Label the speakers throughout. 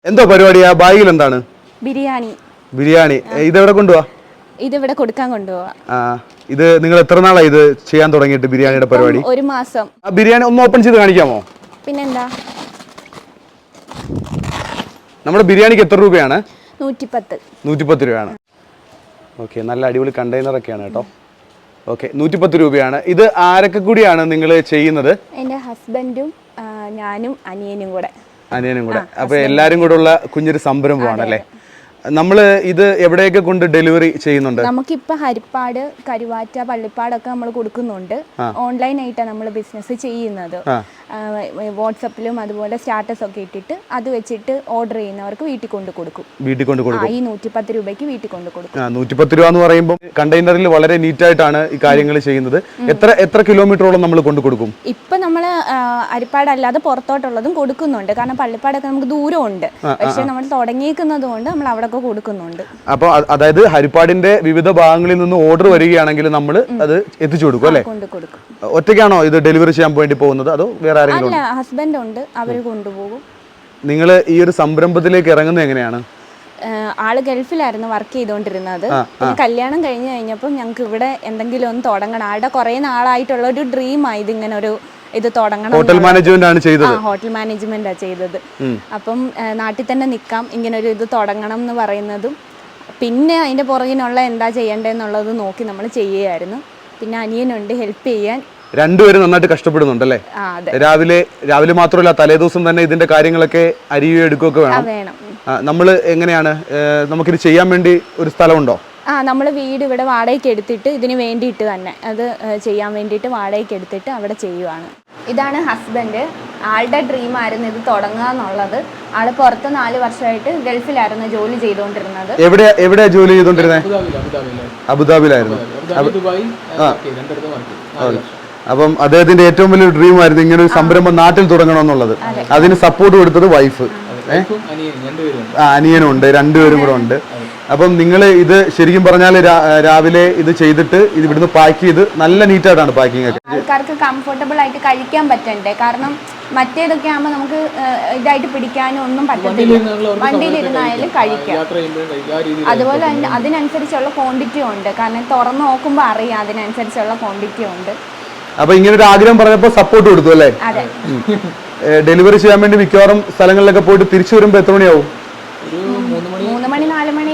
Speaker 1: എന്തോ പരിപാടിയാ ബാഗിൽ എന്താണ്?
Speaker 2: ബിരിയാണി.
Speaker 1: ബിരിയാണി ഇതെവിടെ കൊണ്ടുപോവാ?
Speaker 2: ഇതിവിടെ കൊടുക്കാൻ കൊണ്ടുപോവാ.
Speaker 1: ഇത് നിങ്ങൾ എത്ര നാളായി ഇത് ചെയ്യാൻ തുടങ്ങിയിട്ട് ബിരിയാണിയുടെ പരിപാടി?
Speaker 2: ഒരു മാസം.
Speaker 1: ബിരിയാണി ഒന്ന് ഓപ്പൺ ചെയ്ത് കാണിക്കാമോ?
Speaker 2: പിന്നെന്താ?
Speaker 1: നമ്മുടെ ബിരിയാണിക്ക് എത്ര രൂപയാണ്?
Speaker 2: 110.
Speaker 1: 110 രൂപയാണ്. ഓക്കെ, നല്ല അടിപൊളി കണ്ടെയ്നർ ഒക്കെയാണ് കേട്ടോ. ഓക്കെ, 110 രൂപയാണ്. ഇത് ആരൊക്കെ കൂടിയാണ് നിങ്ങൾ ചെയ്യുന്നത്?
Speaker 2: എൻ്റെ ഹസ്ബൻഡും ഞാനും അനിയനും കൂടെ.
Speaker 1: അപ്പൊ എല്ലാരും കൂടെ ഉള്ള കുഞ്ഞൊരു സംരംഭമാണ് അല്ലേ? നമ്മൾ ഇത് എവിടെയൊക്കെ കൊണ്ട് ഡെലിവറി ചെയ്യുന്നുണ്ട്?
Speaker 2: നമുക്കിപ്പോൾ ഹരിപ്പാട്, കരുവാറ്റ, പള്ളിപ്പാടൊക്കെ നമ്മൾ കൊടുക്കുന്നുണ്ട്. ഓൺലൈനായിട്ടാണ് നമ്മൾ ബിസിനസ് ചെയ്യുന്നത്. വാട്സപ്പിലും അതുപോലെ സ്റ്റാറ്റസ് ഒക്കെ ഇട്ടിട്ട് അത് വെച്ചിട്ട് ഓർഡർ ചെയ്യുന്നവർക്ക് വീട്ടിൽ കൊണ്ട് കൊടുക്കും. ഈ 110 രൂപയ്ക്ക് വീട്ടിൽ കൊണ്ട് കൊടുക്കും.
Speaker 1: 110 രൂപ എന്ന് പറയുമ്പോൾ കണ്ടെയ്നറിൽ വളരെ നീറ്റ് ആയിട്ടാണ് ഈ കാര്യങ്ങൾ ചെയ്യുന്നത്. എത്ര കിലോമീറ്ററോളം നമ്മൾ കൊണ്ട് കൊടുക്കും?
Speaker 2: ഇപ്പൊ നമ്മൾ ഹരിപ്പാട് അല്ലാതെ പുറത്തോട്ടുള്ളതും കൊടുക്കുന്നുണ്ട്. കാരണം പള്ളിപ്പാടൊക്കെ നമുക്ക് ദൂരമുണ്ട്. പക്ഷെ നമ്മൾ തുടങ്ങിയിരിക്കുന്നത് കൊണ്ട് നമ്മൾ അവിടെ കൊടുക്കുന്നുണ്ട്.
Speaker 1: അപ്പൊ അതായത് ഹരിപ്പാടിന്റെ വിവിധ ഭാഗങ്ങളിൽ നിന്ന് ഓർഡർ വരികയാണെങ്കിൽ നമ്മൾ അത് എത്തിച്ചു കൊടുക്കും അല്ലേ? ഒറ്റയ്ക്കാണോ ഇത് ഡെലിവറി ചെയ്യാൻ വേണ്ടി പോകുന്നത് അതോ വേറെ ആരെങ്കിലും?
Speaker 2: അല്ല, ഹസ്ബൻഡ് ഉണ്ട്, അവർ കൊണ്ടുപോകും.
Speaker 1: നിങ്ങൾ ഈ ഒരു സംരംഭത്തിലേക്ക് ഇറങ്ങുന്നത് എങ്ങനെയാണ്?
Speaker 2: ആള് ഗൾഫിലായിരുന്നു വർക്ക് ചെയ്തുകൊണ്ടിരുന്നത്. പിന്നെ കല്യാണം കഴിഞ്ഞ് കഴിഞ്ഞപ്പോൾ ഞങ്ങൾക്ക് ഇവിടെ എന്തെങ്കിലും ഒന്ന് തുടങ്ങണം. ആളുടെ കുറെ നാളായിട്ടുള്ള ഒരു ഡ്രീമായി ഇതിങ്ങനെ ഒരു ഇത് തുടങ്ങണം.
Speaker 1: ഹോട്ടൽ മാനേജ്മെന്റ് ആണ് ചെയ്തത്.
Speaker 2: ഹോട്ടൽ മാനേജ്മെന്റാ ചെയ്തത്. അപ്പം നാട്ടിൽ തന്നെ നിൽക്കാം, ഇങ്ങനെ ഒരു ഇത് തുടങ്ങണം എന്ന് പറയുന്നതും പിന്നെ അതിന്റെ പുറകിനുള്ള എന്താ ചെയ്യേണ്ടതെന്നുള്ളത് നോക്കി നമ്മൾ ചെയ്യുകയായിരുന്നു. പിന്നെ അനിയനുണ്ട് ഹെൽപ്പ് ചെയ്യാൻ.
Speaker 1: രണ്ടുപേരും നന്നായിട്ട് കഷ്ടപ്പെടുന്നുണ്ടല്ലേ? രാവിലെ മാത്രമല്ല, തലേദിവസം തന്നെ ഇതിന്റെ കാര്യങ്ങളൊക്കെ അരിയുകയോ എടുക്കുകയൊക്കെ വേണം. നമ്മൾ എങ്ങനെയാണ് നമുക്കിത് ചെയ്യാൻ വേണ്ടി ഒരു സ്ഥലമുണ്ടോ?
Speaker 2: നമ്മൾ വീട് ഇവിടെ വാടകയ്ക്ക് എടുത്തിട്ട് ഇതിന് വേണ്ടിയിട്ട് തന്നെ അത് ചെയ്യാൻ വേണ്ടിയിട്ട് വാടകയ്ക്ക് എടുത്തിട്ട് അവിടെ ചെയ്യുവാണ്. ഇതാണ് ഹസ്ബൻഡ്. ആളുടെ ഡ്രീം ആയിരുന്നു ഇത് തുടങ്ങുക എന്നുള്ളത്. ആള് പുറത്ത് 4 വർഷമായിട്ട് ഗൾഫിലായിരുന്നു ജോലി ചെയ്തുകൊണ്ടിരുന്നത്.
Speaker 1: എവിടെയാ ജോലി ചെയ്തുകൊണ്ടിരുന്നത്? അബുദാബിയിലായിരുന്നു. അപ്പം അദ്ദേഹത്തിന്റെ ഏറ്റവും വലിയൊരു ഡ്രീം ആയിരുന്നു ഇങ്ങനെ ഒരു സംരംഭം നാട്ടിൽ തുടങ്ങണമെന്നുള്ളത്. അതിന് സപ്പോർട്ട് കൊടുത്തത് വൈഫ്, അനിയനും ഉണ്ട്, രണ്ടുപേരും കൂടെ ഉണ്ട്. അപ്പം നിങ്ങൾ ഇത് ശരിക്കും പറഞ്ഞാൽ രാവിലെ ഇത് ചെയ്തിട്ട് ഇത് ഇവിടുന്ന് പാക്ക് ചെയ്ത് നല്ല നീറ്റായിട്ടാണ് പാക്കിംഗ് ഒക്കെ.
Speaker 2: ആൾക്കാർക്ക് കംഫർട്ടബിൾ ആയിട്ട് കഴിക്കാൻ പറ്റണ്ടേ? കാരണം മറ്റേതൊക്കെ ആകുമ്പോൾ നമുക്ക് ഇതായിട്ട് പിടിക്കാനും ഒന്നും പറ്റത്തില്ല. വണ്ടിയിലിരുന്നായാലും കഴിക്കാം. അതുപോലെ തന്നെ അതിനനുസരിച്ചുള്ള ക്വാണ്ടിറ്റി ഉണ്ട്. കാരണം തുറന്നു നോക്കുമ്പോൾ അറിയാം അതിനനുസരിച്ചുള്ള ക്വാണ്ടിറ്റി ഉണ്ട്.
Speaker 1: അപ്പൊ ഇങ്ങനെ ഒരു ആഗ്രഹം പറഞ്ഞപ്പോൾ സപ്പോർട്ട് കൊടുത്തു അല്ലേ?
Speaker 2: അതെ.
Speaker 1: ഡെലിവറി ചെയ്യാൻ വേണ്ടി മിക്കവാറും സ്ഥലങ്ങളിലൊക്കെ പോയിട്ട് തിരിച്ചു വരുമ്പോൾ എത്ര മണിയാവും?
Speaker 2: 3 മണി 4 മണി.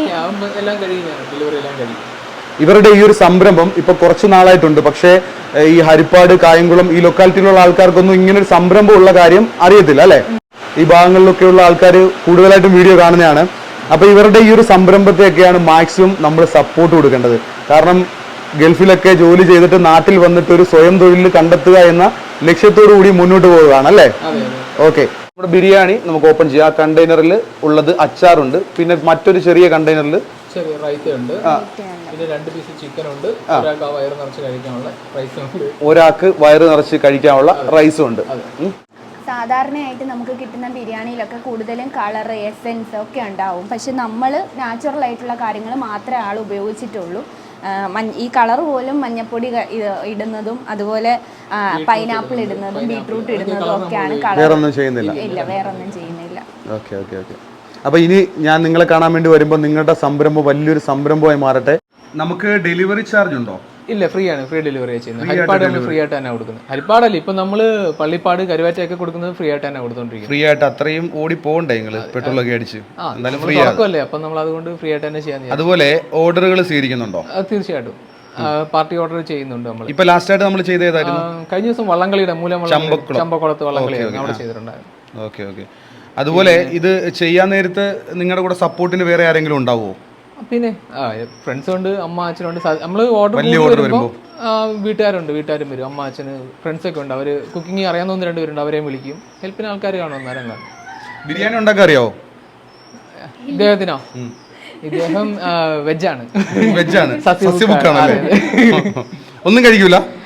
Speaker 1: ഇവരുടെ ഈ ഒരു സംരംഭം ഇപ്പൊ കുറച്ച് നാളായിട്ടുണ്ട്. പക്ഷേ ഈ ഹരിപ്പാട്, കായംകുളം ഈ ലൊക്കാലിറ്റിയിലുള്ള ആൾക്കാർക്കൊന്നും ഇങ്ങനെ ഒരു സംരംഭം ഉള്ള കാര്യം അറിയത്തില്ല അല്ലെ? ഈ ഭാഗങ്ങളിലൊക്കെയുള്ള ആൾക്കാർ കൂടുതലായിട്ടും വീഡിയോ കാണുന്നതാണ്. അപ്പൊ ഇവരുടെ ഈ ഒരു സംരംഭത്തെയൊക്കെയാണ് മാക്സിമം നമ്മൾ സപ്പോർട്ട് കൊടുക്കേണ്ടത്. കാരണം ഗൾഫിലൊക്കെ ജോലി ചെയ്തിട്ട് നാട്ടിൽ വന്നിട്ട് ഒരു സ്വയം തൊഴിൽ കണ്ടെത്തുക എന്ന ലക്ഷ്യത്തോടു കൂടി മുന്നോട്ട് പോവുകയാണ് അല്ലേ? ഓക്കെ, നമ്മുടെ ബിരിയാണി നമുക്ക് ഓപ്പൺ ചെയ്യാം. ആ കണ്ടെയ്നറിൽ ഉള്ളത് അച്ചാറുണ്ട്, പിന്നെ മറ്റൊരു ചെറിയ കണ്ടെയ്നറിൽ
Speaker 3: ചെറിയ റൈസ് ഉണ്ട്, പിന്നെ 2 പീസ് ചിക്കൻ ഉണ്ട്, ഒരാൾക്ക് വയറ് നിറച്ച് കഴിക്കാനുള്ള റൈസും ഉണ്ട്,
Speaker 1: ഒരാൾക്ക് വയറ് നിറച്ച് കഴിക്കാനുള്ള റൈസും ഉണ്ട്.
Speaker 2: സാധാരണയായിട്ട് നമുക്ക് കിട്ടുന്ന ബിരിയാണിയിലൊക്കെ കൂടുതലും കളർ, എസെൻസ് ഒക്കെ ഉണ്ടാവും. പക്ഷെ നമ്മൾ നാച്ചുറൽ ആയിട്ടുള്ള കാര്യങ്ങൾ മാത്രമേ ആൾ ഉപയോഗിച്ചിട്ടുള്ളൂ. ഈ കളർ പോലും മഞ്ഞപ്പൊടി ഇടുന്നതും അതുപോലെ പൈനാപ്പിൾ ഇടുന്നതും ബീട്രൂട്ട് ഇടുന്നതും ഒക്കെയാണ് കളർ. ഇല്ല, വേറൊന്നും ചെയ്യുന്നില്ല.
Speaker 1: അപ്പൊ ഇനി ഞാൻ നിങ്ങളെ കാണാൻ വേണ്ടി വരുമ്പോൾ നിങ്ങളുടെ സംരംഭം വലിയൊരു സംരംഭമായി മാറട്ടെ. നമുക്ക് ഡെലിവറി ചാർജ് ഉണ്ടോ?
Speaker 3: ഇല്ല, ഫ്രീ ആണ്. ഫ്രീ ഡെലിവറി ചെയ്യുന്നത്. ഹരിപ്പാട് നമ്മൾ ഫ്രീ ആയിട്ട് തന്നെ കൊടുക്കുന്നത്. ഹരിപ്പാടല്ല, ഇപ്പൊ നമ്മള് പള്ളിപ്പാട്, കരുവാറ്റയൊക്കെ കൊടുക്കുന്നത് ഫ്രീ ആയിട്ട് തന്നെ കൊടുത്തോണ്ടിരിക്കുന്നത്.
Speaker 1: ഫ്രീ ആയിട്ട് അത്രയും ഓടി പോകണ്ടേ നിങ്ങള് പെട്രോളൊക്കെ അടിച്ച്?
Speaker 3: അല്ലേ, അപ്പൊ നമ്മൾ അതുകൊണ്ട് ഫ്രീ ആയിട്ട് തന്നെ ചെയ്യാൻ.
Speaker 1: അതുപോലെ ഓർഡറുകൾ സ്വീകരിക്കുന്നുണ്ടോ?
Speaker 3: തീർച്ചയായിട്ടും പാർട്ടി ഓർഡർ ചെയ്യുന്നുണ്ട് നമ്മൾ.
Speaker 1: ഇപ്പൊ ലാസ്റ്റ് ആയിട്ട് നമ്മൾ ചെയ്ത ഏതായിരുന്നു?
Speaker 3: കഴിഞ്ഞ ദിവസം വള്ളംകളിയുടെ ചമ്പക്കുളത്ത് വള്ളംകളി അവിടെ ചെയ്തിട്ടുണ്ടായിരുന്നു.
Speaker 1: Okay okay. അതുപോലെ ഇത് ചെയ്യാൻ നേരത്ത് നിങ്ങളുടെ കൂടെ സപ്പോർട്ടിന് വേറെ ആരെങ്കിലും ഉണ്ടാവുമോ?
Speaker 3: പിന്നെ ഫ്രണ്ട്സ് ഉണ്ട്, അമ്മ അച്ഛനുണ്ട്. നമ്മൾ ഓർഡർ വരുമ്പോൾ വീട്ടുകാരും വരും. അമ്മ അച്ഛന് ഫ്രണ്ട്സൊക്കെ ഉണ്ട്. അവർ കുക്കിംഗ് അറിയാവുന്ന 1-2 പേരുണ്ട്, അവരെയും വിളിക്കും. ഹെൽപ്പിന് ആൾക്കാർ കാണും. അന്നേരം കാണും.
Speaker 1: ബിരിയാണി ഉണ്ടാക്കാൻ അറിയാവോ
Speaker 3: ഇദ്ദേഹത്തിനോ? ഇദ്ദേഹം വെജാണ്.
Speaker 1: സസ്യഭുക്കാണ്. ഒന്നും കഴിക്കൂല?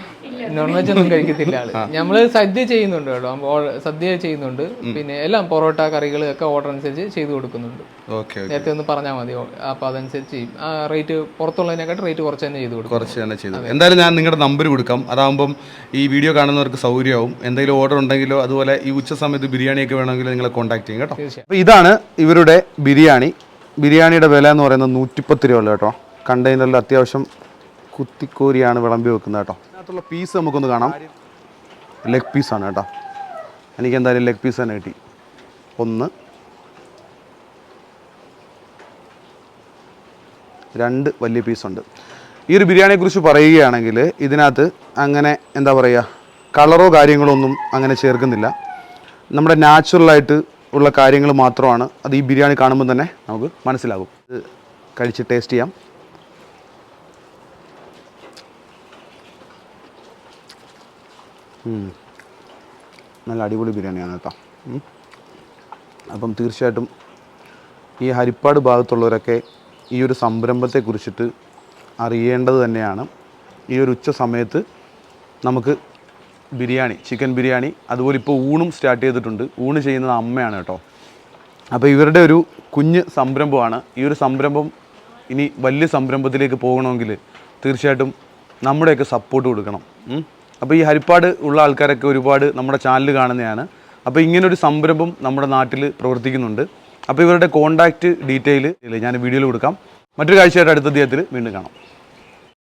Speaker 3: നോൺ വെജ് ഒന്നും കഴിക്കത്തില്ല ആള്. നമ്മള് സദ്യ ചെയ്യുന്നുണ്ട് കേട്ടോ, സദ്യ ചെയ്യുന്നുണ്ട്, പിന്നെ എല്ലാം പൊറോട്ട കറികൾ ഒക്കെ ഓർഡർ അനുസരിച്ച് ചെയ്തു കൊടുക്കുന്നുണ്ട്. നേരത്തെ ഒന്ന് പറഞ്ഞാൽ മതി, അപ്പൊ അതനുസരിച്ച് ചെയ്യും. റേറ്റ് പുറത്തുള്ളതിനെക്കാട്ട് റേറ്റ് കുറച്ച് തന്നെ ചെയ്ത് കൊടുക്കും.
Speaker 1: കുറച്ച് തന്നെ ചെയ്തു. എന്തായാലും ഞാൻ നിങ്ങളുടെ നമ്പർ കൊടുക്കാം, അതാകുമ്പം ഈ വീഡിയോ കാണുന്നവർക്ക് സൗകര്യമാവും. എന്തെങ്കിലും ഓർഡർ ഉണ്ടെങ്കിലോ അതുപോലെ ഈ ഉച്ച സമയത്ത് ബിരിയാണിയൊക്കെ വേണമെങ്കിൽ നിങ്ങളെ കോൺടാക്ട് ചെയ്യും കേട്ടോ. അപ്പോൾ ഇതാണ് ഇവരുടെ ബിരിയാണി. ബിരിയാണിയുടെ വില എന്ന് പറയുന്നത് 110 രൂപ ഉള്ളു കേട്ടോ. കണ്ടെയ്നറിൽ അത്യാവശ്യം കുത്തിക്കോരിയാണ് വിളമ്പി വെക്കുന്നത് കേട്ടോ. അതിനകത്തുള്ള പീസ് നമുക്കൊന്ന് കാണാം. ലെഗ് പീസാണ് കേട്ടോ. എനിക്ക് എന്തായാലും ലെഗ് പീസ് തന്നെ കിട്ടി. 1 2 വലിയ പീസുണ്ട്. ഈ ഒരു ബിരിയാണിയെക്കുറിച്ച് പറയുകയാണെങ്കിൽ ഇതിനകത്ത് അങ്ങനെ എന്താ പറയുക, കളറോ കാര്യങ്ങളോ ഒന്നും അങ്ങനെ ചേർക്കുന്നില്ല. നമ്മുടെ നാച്ചുറലായിട്ട് ഉള്ള കാര്യങ്ങൾ മാത്രമാണ്. അത് ഈ ബിരിയാണി കാണുമ്പോൾ തന്നെ നമുക്ക് മനസ്സിലാകും. ഇത് കഴിച്ച് ടേസ്റ്റ് ചെയ്യാം. നല്ല അടിപൊളി ബിരിയാണിയാണ് കേട്ടോ. അപ്പം തീർച്ചയായിട്ടും ഈ ഹരിപ്പാട് ഭാഗത്തുള്ളവരൊക്കെ ഈ ഒരു സംരംഭത്തെക്കുറിച്ചിട്ട് അറിയേണ്ടത് തന്നെയാണ്. ഈ ഒരു ഉച്ച സമയത്ത് നമുക്ക് ബിരിയാണി, ചിക്കൻ ബിരിയാണി, അതുപോലെ ഇപ്പോൾ ഊണും സ്റ്റാർട്ട് ചെയ്തിട്ടുണ്ട്. ഊണ് ചെയ്യുന്നത് അമ്മയാണ് കേട്ടോ. അപ്പോൾ ഇവരുടെ ഒരു കുഞ്ഞ് സംരംഭമാണ്. ഈ ഒരു സംരംഭം ഇനി വലിയ സംരംഭത്തിലേക്ക് പോകണമെങ്കിൽ തീർച്ചയായിട്ടും നമ്മുടെയൊക്കെ സപ്പോർട്ട് കൊടുക്കണം. അപ്പോൾ ഈ ഹരിപ്പാട് ഉള്ള ആൾക്കാരൊക്കെ ഒരുപാട് നമ്മുടെ ചാനൽ കാണുന്നതാണ്. അപ്പോൾ ഇങ്ങനൊരു സംരംഭം നമ്മുടെ നാട്ടിൽ പ്രവർത്തിക്കുന്നുണ്ട്. അപ്പോൾ ഇവരുടെ കോൺടാക്റ്റ് ഡീറ്റെയിൽ ഞാൻ വീഡിയോയിൽ കൊടുക്കാം. മറ്റൊരു കാഴ്ചയായിട്ട് അടുത്ത ദിവസത്തിൽ വീണ്ടും കാണാം.